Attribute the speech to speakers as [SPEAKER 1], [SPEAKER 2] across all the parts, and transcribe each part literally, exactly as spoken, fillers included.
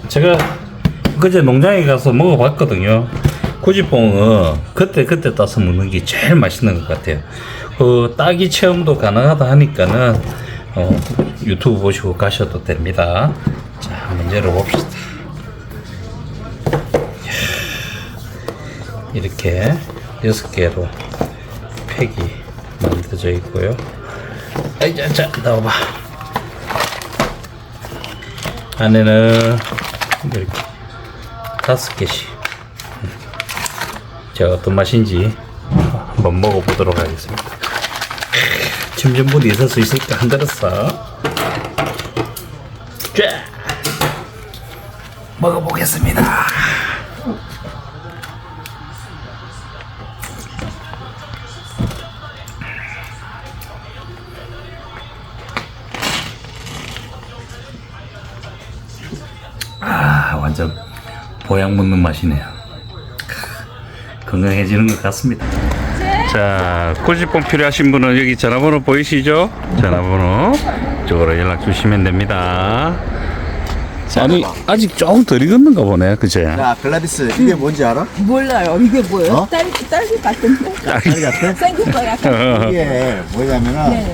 [SPEAKER 1] 제가 그제 농장에 가서 먹어봤거든요. 꾸지뽕은 그때 그때 따서 먹는 게 제일 맛있는 것 같아요. 그 따기 체험도 가능하다 하니까는 어, 유튜브 보시고 가셔도 됩니다. 자, 한번 열어봅시다. 이렇게 여섯 개로 팩이 만들어져 있고요. 아이, 자, 자, 나와봐. 안에는 이렇게 다섯 개씩. 제가 어떤 맛인지 한번 먹어보도록 하겠습니다. 침전분이 있을 수 있으니까 흔들었어. 자, 먹어보겠습니다. 아, 완전 보약 먹는 맛이네요. 건강해지는 것 같습니다. 자, 꾸지뽕 필요하신 분은 여기 전화번호 보이시죠? 전화번호 쪽으로 연락 주시면 됩니다. 아니, 아직 조금 덜 익었는가 보네, 그제?
[SPEAKER 2] 야, 글라디스, 이게 뭔지 알아?
[SPEAKER 3] 몰라요. 이게 뭐예요?
[SPEAKER 2] 어?
[SPEAKER 3] 딸기, 딸기 같은데?
[SPEAKER 2] 딸기 같아?
[SPEAKER 3] 생긴 거 약간.
[SPEAKER 2] 이게 뭐냐면은,
[SPEAKER 3] 네네네.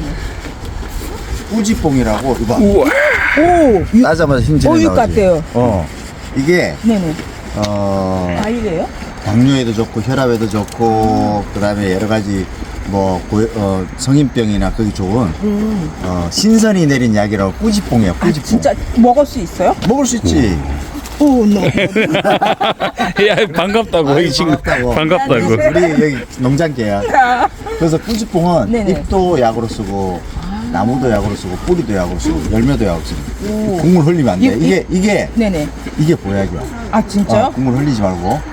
[SPEAKER 2] 꾸지뽕이라고, 이거 봐.
[SPEAKER 1] 우와.
[SPEAKER 3] 오!
[SPEAKER 2] 따자마자 힘주는
[SPEAKER 3] 오육 같아요.
[SPEAKER 2] 어. 이게,
[SPEAKER 3] 네네.
[SPEAKER 2] 어,
[SPEAKER 3] 과일이에요?
[SPEAKER 2] 당뇨에도 좋고, 혈압에도 좋고, 그 다음에 여러 가지, 뭐, 고, 어, 성인병이나 그게 좋은,
[SPEAKER 3] 음.
[SPEAKER 2] 어, 신선이 내린 약이라고 꾸지뽕이야,
[SPEAKER 3] 아,
[SPEAKER 2] 꾸지뽕.
[SPEAKER 3] 진짜 먹을 수 있어요?
[SPEAKER 2] 먹을 수 있지.
[SPEAKER 3] 오, no.
[SPEAKER 1] 야, 반갑다고,
[SPEAKER 2] 아이,
[SPEAKER 1] 이 친구.
[SPEAKER 2] 반갑다고.
[SPEAKER 1] 반갑다고.
[SPEAKER 2] 우리 여기 농장계야. 그래서 꾸지뽕은
[SPEAKER 3] 네네.
[SPEAKER 2] 잎도 약으로 쓰고, 나무도 약으로 쓰고, 뿌리도 약으로 쓰고, 열매도 약으로 쓰고. 국물 흘리면 안 돼.
[SPEAKER 3] 이-
[SPEAKER 2] 이게, 이게,
[SPEAKER 3] 네네.
[SPEAKER 2] 이게 보약이야.
[SPEAKER 3] 아, 진짜요?
[SPEAKER 2] 어, 국물 흘리지 말고.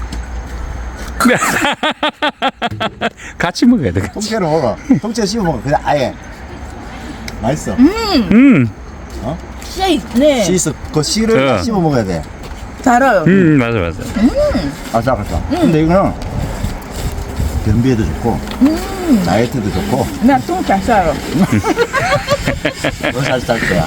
[SPEAKER 1] 같이 먹어야 돼, 같이.
[SPEAKER 2] 통째로 먹어. 통째로 씹어 먹어. 그냥 아예. 맛있어.
[SPEAKER 1] 음,
[SPEAKER 3] 씨, 네.
[SPEAKER 2] 씨 있어. 그 씨를
[SPEAKER 1] 네.
[SPEAKER 2] 씹어 먹어야 돼.
[SPEAKER 3] 달아요.
[SPEAKER 1] 음, 맞아, 맞아.
[SPEAKER 2] 아삭아삭. 근데 이거는 변비에도 좋고, 다이어트도 좋고,
[SPEAKER 3] 나똥잘 싸요.
[SPEAKER 2] 너 잘 살 거야.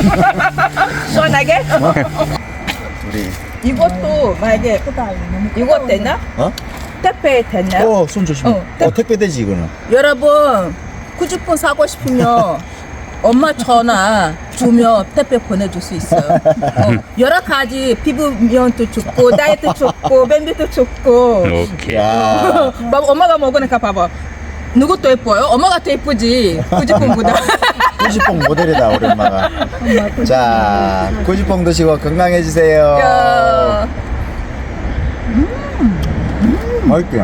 [SPEAKER 3] 시원하게?
[SPEAKER 2] 우리.
[SPEAKER 3] 이것도 만약에 이거 되나?
[SPEAKER 2] 어?
[SPEAKER 3] 택배 됐나요?
[SPEAKER 2] 어, 손 조심해.
[SPEAKER 3] 어,
[SPEAKER 2] 어, 택배 되지, 이거는.
[SPEAKER 3] 여러분 꾸지뽕 사고 싶으면 엄마 전화 주면 택배 보내줄 수 있어요. 어, 여러 가지 피부면도 좋고 다이어트 좋고 밴드도 좋고.
[SPEAKER 1] 오케이.
[SPEAKER 2] 야.
[SPEAKER 3] 봐봐, 엄마가 먹으니까 봐봐. 누구 더 예뻐요? 엄마가 더 예쁘지. 꾸지뽕보다.
[SPEAKER 2] 꾸지뽕 모델이다, 우리 엄마가. 자, 꾸지뽕 드시고 건강해지세요.
[SPEAKER 3] 야,
[SPEAKER 2] 맛있게.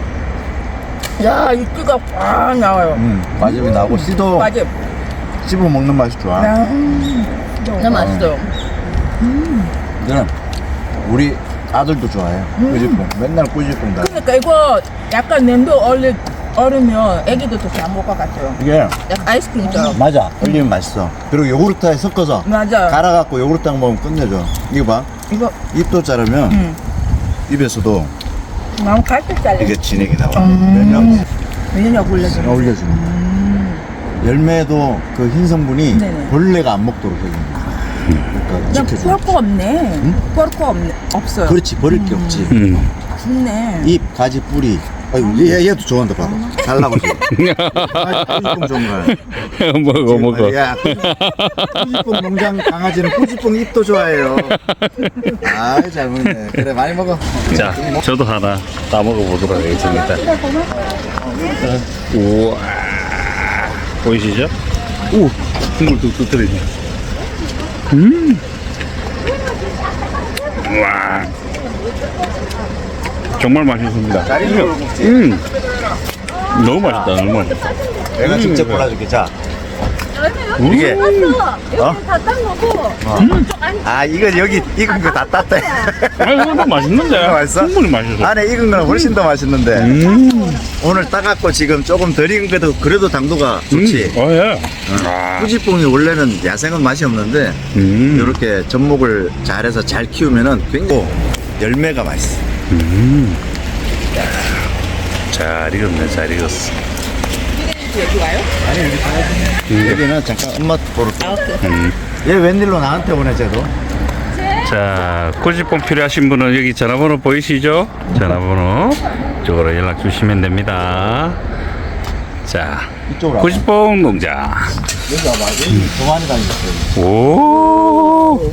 [SPEAKER 3] 야, 육즙가 꽉 나와요.
[SPEAKER 2] 음, 과즙이 나고, 씨도
[SPEAKER 3] 맞아.
[SPEAKER 2] 씹어 먹는 맛이 좋아.
[SPEAKER 3] 너무 맛있어요.
[SPEAKER 2] 이거는 우리 아들도 좋아해. 꾸지뽕. 맨날 꾸지뽕 다.
[SPEAKER 3] 그러니까 이거 약간 냄도 얼리 얼으면 애기도 더 잘 먹을 것 같아요.
[SPEAKER 2] 이게,
[SPEAKER 3] 약간 아이스크림처럼.
[SPEAKER 2] 맞아. 얼리면 맛있어. 그리고 요구르트에 섞어서.
[SPEAKER 3] 맞아.
[SPEAKER 2] 갈아갖고 요구르트랑 먹으면 끝내줘. 이거 봐.
[SPEAKER 3] 이거
[SPEAKER 2] 잎도 자르면,
[SPEAKER 3] 음.
[SPEAKER 2] 입에서도
[SPEAKER 3] 너무 갈색 잘래.
[SPEAKER 2] 이게 진액이 나와.
[SPEAKER 3] 음.
[SPEAKER 2] 면역
[SPEAKER 3] 왜냐면 올려줘.
[SPEAKER 2] 올려주는 거야. 열매도 그 흰 성분이
[SPEAKER 3] 네네.
[SPEAKER 2] 벌레가 안 먹도록 해주는 거야. 그러니까
[SPEAKER 3] 그냥
[SPEAKER 2] 지켜줘.
[SPEAKER 3] 버릴 거 없네. 버릴 거 없네. 없어요.
[SPEAKER 2] 그렇지, 버릴 게 없지.
[SPEAKER 1] 음.
[SPEAKER 3] 좋네.
[SPEAKER 2] 잎, 가지, 뿌리. 아이고, 얘, 얘도 좋아한다, 봐봐. 달라고 지금. 꾸지뽕 좋은 거야.
[SPEAKER 1] 먹어, 먹어.
[SPEAKER 2] 야, 꾸지뽕 농장 강아지는 꾸지뽕 잎도 좋아해요. 아, 잘 먹네. 그래, 많이 먹어.
[SPEAKER 1] 자, 저도 하나 따 먹어보도록 하겠습니다. 우와. 보이시죠? 오, 국물 뚝뚝 떨어지네. 음. 와. 정말 맛있습니다.
[SPEAKER 2] 잘 익은 걸 먹지.
[SPEAKER 1] 음. 너무 맛있다, 너무 맛있다.
[SPEAKER 2] 내가 직접 골라줄게. 자, 이게 어?
[SPEAKER 3] 다딴 거고.
[SPEAKER 2] 아, 이거 여기 익은 거 다 땄대.
[SPEAKER 1] 아니, 이거 맛있는데.
[SPEAKER 2] 맛있어?
[SPEAKER 1] 국물이 맛있어.
[SPEAKER 2] 안에 익은 거는 훨씬 더 맛있는데.
[SPEAKER 1] 음.
[SPEAKER 2] 오늘 따갖고 지금 조금 덜 익은 것도 그래도 당도가 좋지.
[SPEAKER 1] 음. 어, 예. 아.
[SPEAKER 2] 꾸지뽕이 원래는 야생은 맛이 없는데
[SPEAKER 1] 음.
[SPEAKER 2] 이렇게 접목을 잘해서 잘 키우면은 굉장히 열매가 맛있어.
[SPEAKER 1] 음. 잘 익었네, 잘 익었어.
[SPEAKER 3] 여기 와요?
[SPEAKER 2] 아니 여기 가야지. 여기는 잠깐 엄마 보러.
[SPEAKER 3] 아, 오케이.
[SPEAKER 1] 음.
[SPEAKER 2] 얘 웬일로 나한테 오네 쟤도.
[SPEAKER 1] 자, 자, 꾸지뽕 필요하신 분은 여기 전화번호 보이시죠? 전화번호 이쪽으로 연락 주시면 됩니다. 자,
[SPEAKER 2] 이쪽으로 와봐.
[SPEAKER 1] 꾸지뽕 농장.
[SPEAKER 2] 여기 와봐. 여기 더 많이 다니겠어요.
[SPEAKER 1] 오,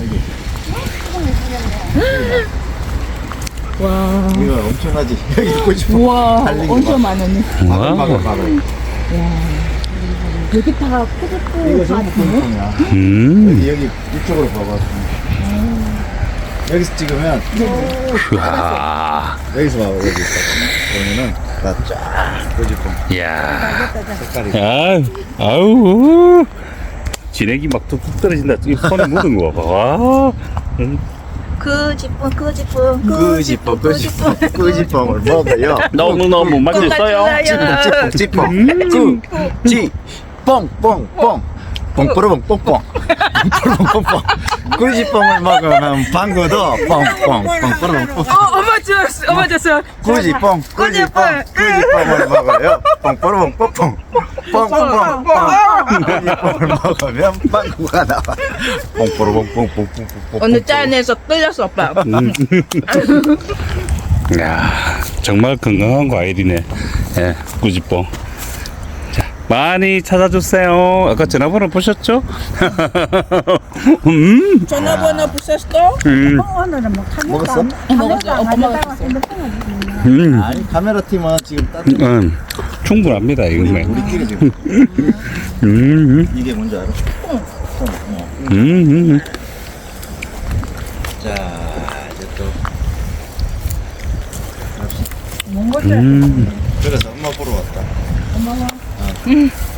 [SPEAKER 3] 와.
[SPEAKER 2] 이거 엄청나지. 여기 꾸지뽕.
[SPEAKER 3] 우와,
[SPEAKER 2] 달리기
[SPEAKER 3] 엄청
[SPEAKER 2] 막.
[SPEAKER 3] 많았네.
[SPEAKER 2] 바글 바글 바글.
[SPEAKER 3] 여기 다 꾸지뽕
[SPEAKER 2] 이거 전부 꾸지뽕이야.
[SPEAKER 1] 음,
[SPEAKER 2] 여기 여기 이쪽으로 봐봐. 여기서 찍으면
[SPEAKER 1] 와,
[SPEAKER 2] 여기서 봐봐. 여기 있다. 그러면은 다쫙 꾸지뽕
[SPEAKER 1] 야,
[SPEAKER 2] 색깔이.
[SPEAKER 1] 야, 아우, 진액이 막 툭툭 떨어진다. 이 손에 묻은 거 봐. 와, 음.
[SPEAKER 3] 꾸지뽕, 꾸지뽕,
[SPEAKER 2] 꾸지뽕 꾸지뽕 꾸지뽕을 먹어요.
[SPEAKER 1] 너무 너무 맛있어요.
[SPEAKER 2] 찌뽕 찌뽕 꾸지 뽕뽕뽕 뽕뽀로뽕 뽕뽕 뽕뽀로뽕 뽕뽕 꾸지뽕을 먹으면 방구도 뽕뽕 뽕뽀로뽕 뽕
[SPEAKER 3] 어, 엄마 줬어, 엄마 줬어.
[SPEAKER 2] 꾸지뽕 꾸지뽕 꾸지뽕을 먹어요. 뽕뽀로뽕 뽕뽕 뽕뽕뽕 꾸지뽕을 먹으면 방구가 나와. 뽕뽀로뽕 뽕뽕뽕 뽕뽕
[SPEAKER 3] 어느 짠에서 끌렸어, 오빠.
[SPEAKER 1] 야, 정말 건강한 과일이네. 예, 꾸지뽕. 자, 많이 찾아주세요. 아까 전화번호 보셨죠? 음,
[SPEAKER 3] 전화번호 부셨어?
[SPEAKER 1] 음,
[SPEAKER 4] 오늘은 뭐 카메라
[SPEAKER 2] 먹었어?
[SPEAKER 3] 어, 먹었어. 오빠 먹었어.
[SPEAKER 1] 음,
[SPEAKER 2] 아니 카메라 팀은 지금 따뜻.
[SPEAKER 1] 음, 충분합니다, 이거는.
[SPEAKER 2] 우리끼리 지금
[SPEAKER 1] 음, 음,
[SPEAKER 2] 이게 뭔지 알아? 어.
[SPEAKER 1] 음, 음.
[SPEAKER 2] 자 이제 또
[SPEAKER 4] 몽골
[SPEAKER 1] 음.
[SPEAKER 2] 그래서 엄마 보러 왔다.
[SPEAKER 4] 엄마가
[SPEAKER 2] 어.